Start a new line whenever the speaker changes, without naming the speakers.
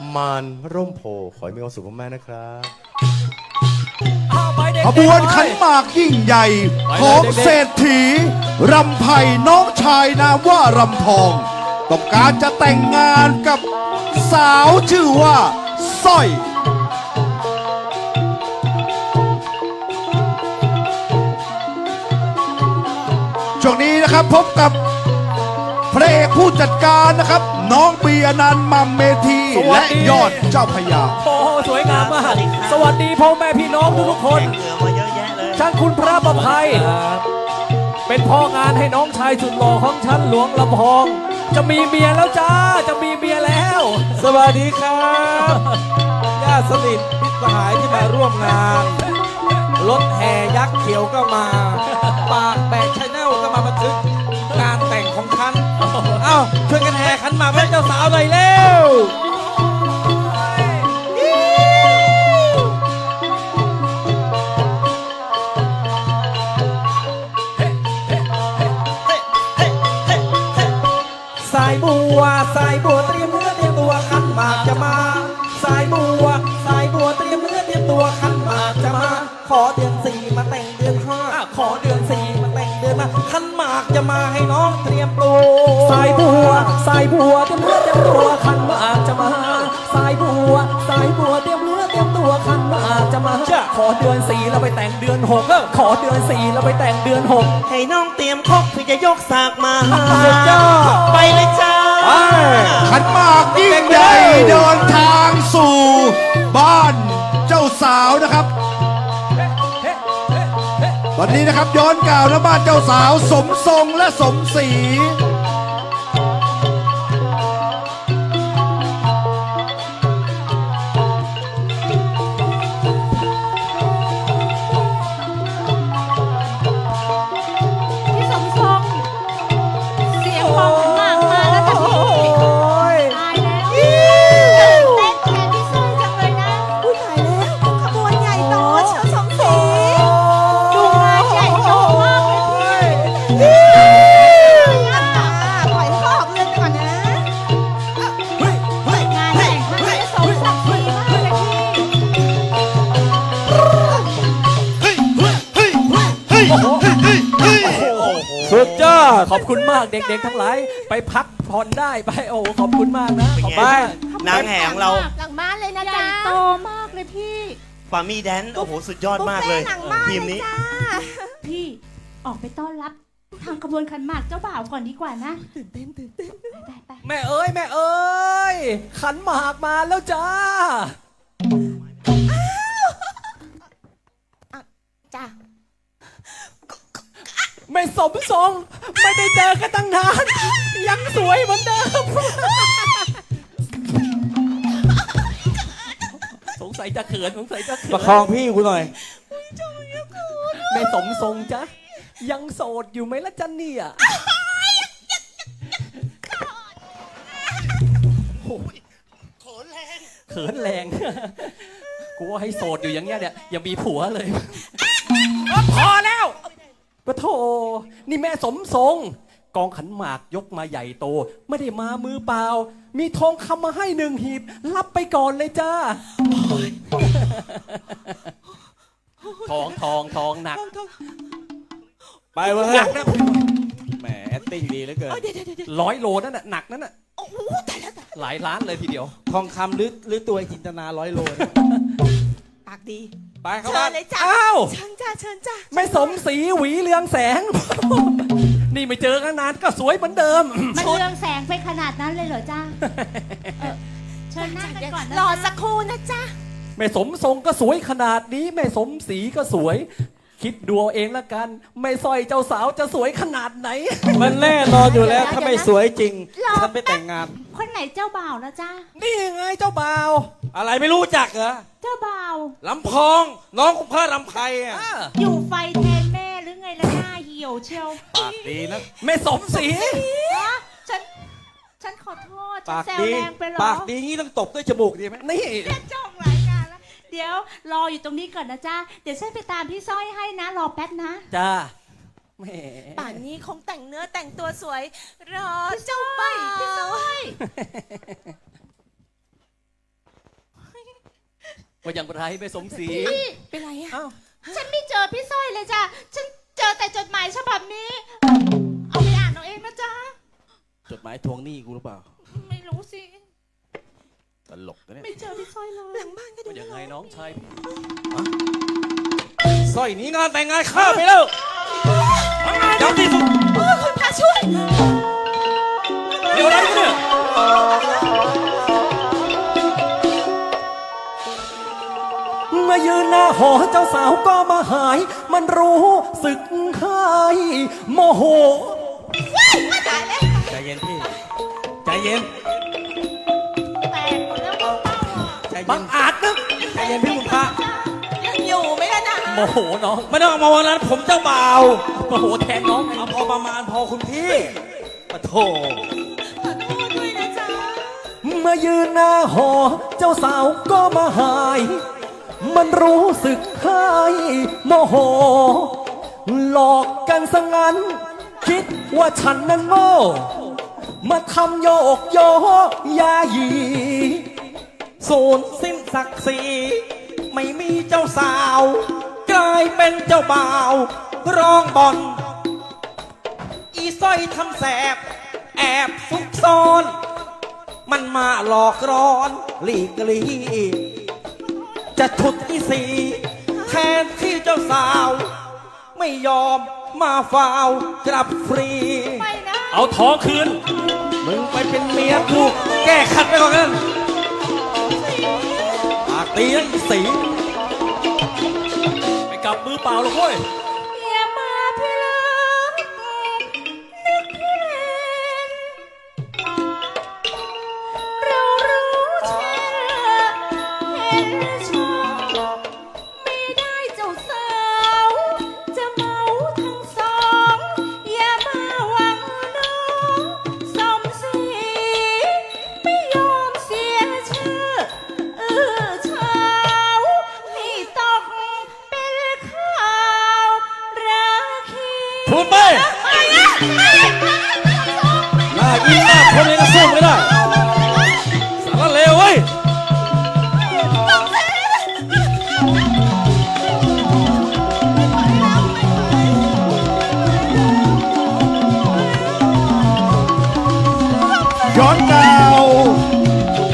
มานร่มโพขอให้มีความสุขมากๆนะครับ
ขบวนขันหมากยิ่งใหญ่ของเศรษฐีรำไผ่น้องชายนามว่ารำพองต้องการจะแต่งงานกับสาวชื่อว่าสร้อยช่วงนี้นะครับพบกับพระเอกผู้จัดการนะครับน้องปีอนันต์มัมเมธีและยอดเจ้าพญา
โอ้สวยงามมากสวัสดีพ่อแม่พี่น้องทุกคนช่างคุณพระประภัยเป็นพ่องานให้น้องชายสุดหล่อของฉันหลวงลำพองจะมีเมียแล้วจ้าจะมีเมียแล้ว
สวัสดีครับญาติสนิทมิตรสหายที่มาร่วมงานรถแห่ยักษ์เขียวก็มาปากแบกชาแนลก็มาบันทึกงานแต่งของฉันเอ้าช่วยกันแห่ขันหมากให้เจ้าสาวหน่อยเร็วสายบัวเตรียมเนื้อเตรียมตัวขันหมากจะมาสายบัวเตรียมเนื้อเตรียมตัวขันหมากจะมาขอเดือน4มาแต่งเดือน5ขอเดือน4มาแต่งเดือน5ขันหมากจะมาให้น้องเตรียมตัว
สายบัวเตรียมเนื้อเตรียมตัวขันหมากจะมาสายบัวเตรียมเนื้อเตรียมตัวขันหมากจะมาขอเดือน4แล้วไปแต่งเดือน6ขอเดือน4แล้วไปแต่งเดือน6
ให้น้องเตรียมคกพี่จะยกสากมา
สุดยอด
ไปเลยจ้า
ขันหมากยิ่งใหญ่เดินทางสู่บ้านเจ้าสาวนะครับวันนี้นะครับย้อนกล่าวนะบ้านเจ้าสาวสมทรงและสมศรี
พี่สมทรงเสียงพองขันหมากมาแล้วค่ะพี่ตายแล้วเต้นแทนพี่สร้อยจังเลยนะอุ้ยตายแล้วขบวนใหญ่โตเชียวสมศรีดูงานใหญ่โตมากเลยพี่ปล่อยให้เขาออกเรือนก่อนนะงานแต่งครั้งนี้สมศักดิ์ศรีมากเลยพี่
สุดยอดขอบคุณมากเด็กๆทั้งหลายไปพักผ่อนได้ไปโอ้ขอบคุณมากนะขอบคุณ
นางแห่ของเรา
หลังบ้านเลยนะจ๊ะโตมากเลยพี่
ฟาร์มี่แดนโอ้โหสุดยอดมากเลยทีมนี้
พี่ออกไปต้อนรับทางขบวนขันหมากเจ้าบ่าวก่อนดีกว่านะตื่นเต้นไป
แม่เอ้ยขันหมากมาแล้วจ้า
จ้า
ไม่สมทรงไม่ได้เจอกันตั้งนานยังสวยเหมือนเดิมสงสัยจะเขิน
ประคองพี่กูหน่อย
ไม่สมทรงจ้ะยังโสดอยู่ไหมล่ะจ๊ะเนี่ยเขินแรงกูว่าให้โสดอยู่อย่างเงี้ยเนี่ยยังมีผัวเลยพอแล้วปะโถนี่แม่สมทรงกองขันหมากยกมาใหญ่โตไม่ได้มามือเปล่ามีทองคำมาให้1 หีบรับไปก่อนเลยจ้าทองหนัก
ไปเว้ย
หนักนะ
แหมแอคติ้งดีเหลือเกิน
100 โลนั่นน่ะหนักนั่นน่ะหลายล้านเลยทีเดียว
ทองคำหรือตัวจินตนา100 โล
ปากดี
ไปเข้า
เชิ
มา
ญเลยจ้าเชิญจ้า
ไม่สมศรีหวีเรืองแสงนี่ไม่เจอกันนานก็สวยเหมือนเดิม
มันเรืองแสงไปขนาดนั้นเลยเหรอจ้าเชิญนั่งกันก่อนรอสักครู่นะจ้า
ไม่สมทรงก็สวยขนาดนี้ไม่สมศรีก็สวยคิดดูเอาเองละกันไม่สร้อยเจ้าสาวจะสวยขนาดไหน
มันแน่นอนอยู่แล้วถ้าไม่สวยจริงฉันไม่แต่งงาน
คนไหนเจ้าบ่าวนะจ้า
นี่ไงเจ้าบ่าว
อะไรไม่รู้จักเหรอ
เจ้าบ่าว
ลำพองน้องของพระลำไพอ่ะ
อยู่ไฟแทนแม่หรือไงล่ะหน้าเหี่ยวเชียว
ปากดีนะ
ไม่สมศรี
ฉันขอโทษฉันแซวแรงไปหรอ
ปากดีงี้ต้องตบด้วยจมูกดีไหม
นี่
จ้องรายการแล้วเดี๋ยวรออยู่ตรงนี้ก่อนนะจ้าเดี๋ยวฉันไปตามพี่สร้อยให้นะรอแป๊บนะ
จ้า
ป่านนี้คงแต่งเนื้อแต่งตัวสวยรอเจ้าบ่าวพี่สร้อย
ว่าอย่างไรแม่สมศรี
พี่
เป็นไรอะ
อ้าว
ฉันไม่เจอพี่สร้อยเลยจ้ะ ฉันเจอแต่จดหมายฉบับนี้ เอาไปอ่านเอาเองนะจ๊ะ
จดหมายทวงหนี้กูหรือเปล่า
ไม่รู้สิ
ตลกนะเนี่ย
ไม่เจอพี่สร้อยเลย
หลังบ้านก็ดู
ว่าอย่างไรน้องชายพี่
สร้อยหนี้งานแต่งงานข้าไปแล้วเจ้าที่สุด
คุณพระช่วย
เดี๋ยวอะไรกันเนี่ยมายืนหน้าหอเจ้าสาวก็มาหาย มันรู้สึกหายโมโห
ใจเย็นพี่ ใจเย็น
แตกหมดแล้วก็เป้าอ่ะ
ใจเย็
บั
น
งอาจนะ
ใจเย็นพี่คุณพระ
ยังอยู่ไหมล่ะนะ
โมโหน้อง
ไม่ต้องเอามาวันนั้นผมเจ้าบ่าว
โมโหแทนน้องไง
เอาพอประมาณพอคุณพี่ปะโถ
ขอโทษด้วยนะจ๊ะ
มายืนหน้าหอเจ้าสาวก็มาหาย มันรู้สึกหายโมโห หลอกกันซะงั้น คิดว่าฉันนั้นโง่ มาทำโยกโยยาหยี
ศูนย์สิ้นศักดิ์ศรีไม่มีเจ้าสาว กลายเป็นเจ้าบ่าว ร้องบอลอีสร้อยทำแสบ แอบซุกซ่อน มันมาหลอกร้อนหลีกลีจะฉุดอีสีแทนที่เจ้าสาว ไม่ยอมมาฟาวกลับฟรี
ไปนะ
เอาท้องคืน
มึงไปเป็นเมียกูแก้ขัดไปก่อนกันปากตีนะอีสี
ไปกลับมือเปล่าหรอกเว้ย
อย่ามาพี่เลิฟนึกพี่เล่นเรารู้เชื่อเห็นชอบไม่ได้เจ้าสาวจะเมาทั้งสองอย่ามาหวังน้องสมศรีไม่ยอมเสียชื่อเช้าให้ตกเป็นข่าวราคี
พูดไป
ไปนะ
หน้ายิ้มหน้าคนเลยก็สู้ไม่ได้